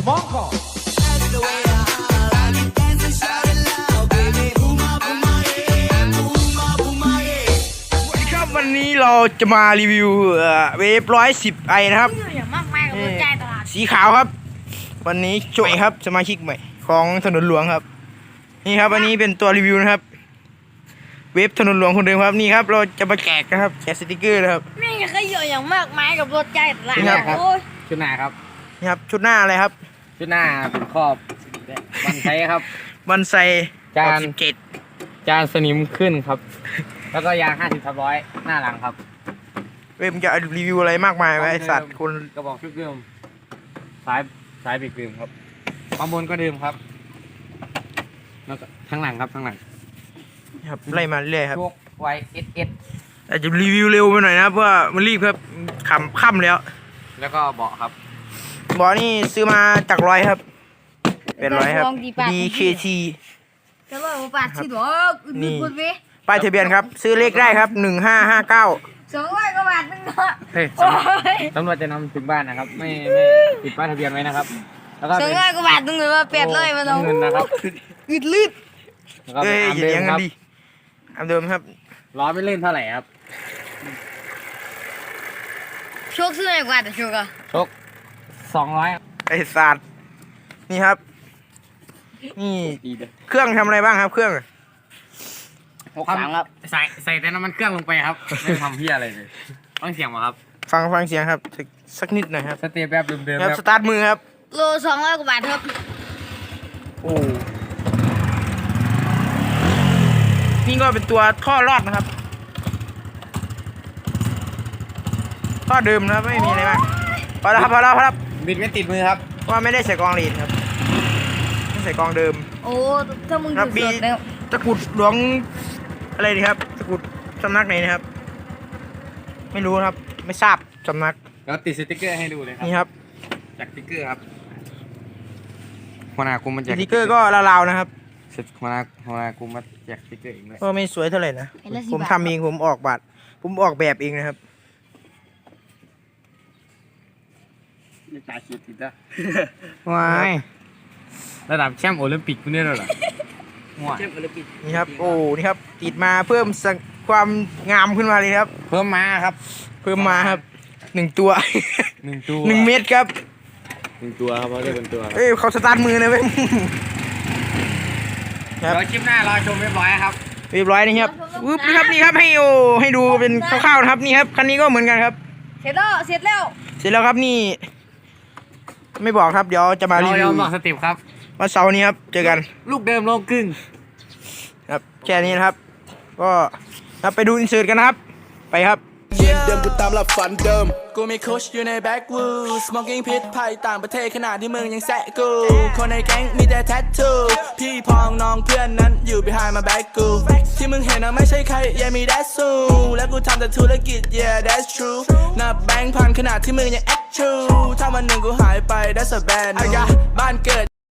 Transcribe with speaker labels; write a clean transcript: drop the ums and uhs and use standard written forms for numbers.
Speaker 1: Monko
Speaker 2: วันนี้เราจะมารีวิวเวฟ110ไอนะครับสีขาวครับ วันนี้โจยครับสมาชิกใหม่ของถนนหลวงครับนี่ครับวันนี้เป็นตัวรีวิวนะครับเวฟถนนหลวงคนเดิมครับนี่ครับเราจะมาแจกนะครับแจกสติกเกอร์นะครับ
Speaker 3: นี่ก็เยอะอย่างมากมายกับรถใจตลาดครับ
Speaker 4: ชุดหน้าครับ
Speaker 2: นี่ครับชุดหน้าอะไรครับ
Speaker 4: ชุดหน้าเป็นครอบบันไซครับ
Speaker 2: บันไซ
Speaker 4: จาน
Speaker 2: 17
Speaker 4: จานสนิมขึ้นครับแล้วก็ยาง50/100หน้าหลังครับ
Speaker 2: เวฟจะรีวิวอะไรมากมายไว้สัตว์คน
Speaker 4: กระบอกชุดเดิมสายเบรกเดิมครับข้างบนก็เดิมครับแล้วก็ทั้งหลังครับทั้งหลัง
Speaker 2: ครับไล่มาเรื่อยครับ
Speaker 4: พวกไวSS
Speaker 2: อาจจะรีวิวเร็วไปหน่อยนะเพราะว่ามันรีบครับค่ำ
Speaker 4: แล้วก็เบาะครับ
Speaker 2: เบาะนี่ซื้อมาจากร้อยครับเป็นร้อยครับ DKT
Speaker 3: จะร้อยบาทที่หรอนี่
Speaker 2: ป้ายทะเบียนครับซื้อเลขได้ครับ1559
Speaker 3: 200 กว่าบาทนึงเนาะ
Speaker 4: เฮ้ยตำรวจจะนำถึงบ้านนะครับไม่ติดป้ายทะเบียนไว้นะครับแล้วก็
Speaker 3: 200 กว่าบาทนึงหรือว่า800มาเนาะ
Speaker 4: เงินนะครับ
Speaker 2: อึดลืดเอ้ยอย่างนั้นดีอันเดิมครับ
Speaker 4: ล้อไม่เล่นเท่าไหร่ครับ
Speaker 3: โชคซื้อไหนกว่าแต่โชคอะ
Speaker 4: โชค200
Speaker 2: ไอ้สัตว์นี่ครับนี่เครื่องทำอะไรบ้างครับเครื่อง
Speaker 4: 63ครับใส่แต่น้ำมันเครื่องลงไปครับไม่ทำเพี้ยอะไรเลยฟังเสียงมาครับ
Speaker 2: ฟังเสียงครับสักนิดหน่อยครับ
Speaker 4: สเตปแบบเดิม
Speaker 2: ครับสตาร์ทมือครับ
Speaker 3: โล200 กว่าบาทครับ
Speaker 2: โอ้นี่ก็เป็นตัวท่อรอดนะครับท่อเดิมนะครับไม่มีอะไรมากพอแล้วครับ
Speaker 4: บิดไม่ติดมือครับ
Speaker 2: ว่าไม่ได้ใส่กองลีดครับไม่ใส่กองเดิม
Speaker 3: โอ้ถ้ามึงดูสดแล้ว
Speaker 2: ตะกุดหลวงอะไรดีครับตะกุดสำนักไหนนะครับไม่รู้ครับไม่ทราบสำนัก
Speaker 4: แล้วติดสติ๊กเกอร์ให้ดูเลยครับ
Speaker 2: นี่ครับ
Speaker 4: จากสติ๊กเกอร์ครับหัวหน้ากูมันแจก
Speaker 2: สติ๊กเกอร์ก็ราวๆนะครับ
Speaker 4: หัวหน้ากูมาแจกสติ๊กเกอร์เองเลย
Speaker 2: ก็ไม่สวยเท่าไหร่นะผมทำเองผมออกแบบเองนะครับ
Speaker 4: นี่ตาคิดติดนะว้ายระดับแชมป์โอลิมปิกคุณเนี่ยเหรอ
Speaker 2: แชมป์โอลิมปิกนี่ครับโอ้นี่ครับติดมาเพิ่มความงามขึ้นมาเลยครับ
Speaker 4: เพิ่มมาครับ
Speaker 2: 1 ตัว1 เม็ดครับ
Speaker 4: 1 ตัวครับเพราะได้เป็นตัว
Speaker 2: เอ้ยเขาสตาร์ทมือนะเว้ย
Speaker 4: ครับคลิปหน้ารอชมเรียบร้อยครับ
Speaker 2: นี่ครับนี่ครับให้ดูเป็นคร่าวๆนะครับนี่ครับคันนี้ก็เหมือนกันครับ
Speaker 3: เสร็จแล้ว
Speaker 2: ครับนี่ไม่บอกครับเดี๋ยวจะมารีวิว
Speaker 4: บอกสเต็ปครับ
Speaker 2: วันเสาร์นี้ครับเจอกัน
Speaker 4: ลูกเดิมโลกครึ่ง
Speaker 2: ครับแค่นี้นะครับก็ไปดูอินเสิร์ตกันนะครับไปครับ
Speaker 5: เดิมกูตามหลับฝันเดิมกูมีโค้ชอยู่ในแบ็กวูดสโมกิ้งพิษภัยต่างประเทศขนาดที่มึงยังแซะกูคนในแก๊งมีแต่แทททูพี่พองน้องเพื่อนนั้นอยู่ behind my back กูที่มึงเห็นนะไม่ใช่ใครยังมี that's so และกูทำแต่ธุรกิจ yeah that's true นับแบงค์พันขนาดที่มึงยังแอคชูถ้าวันหนึ่งกูหายไป that's a bad news บ้านเกิด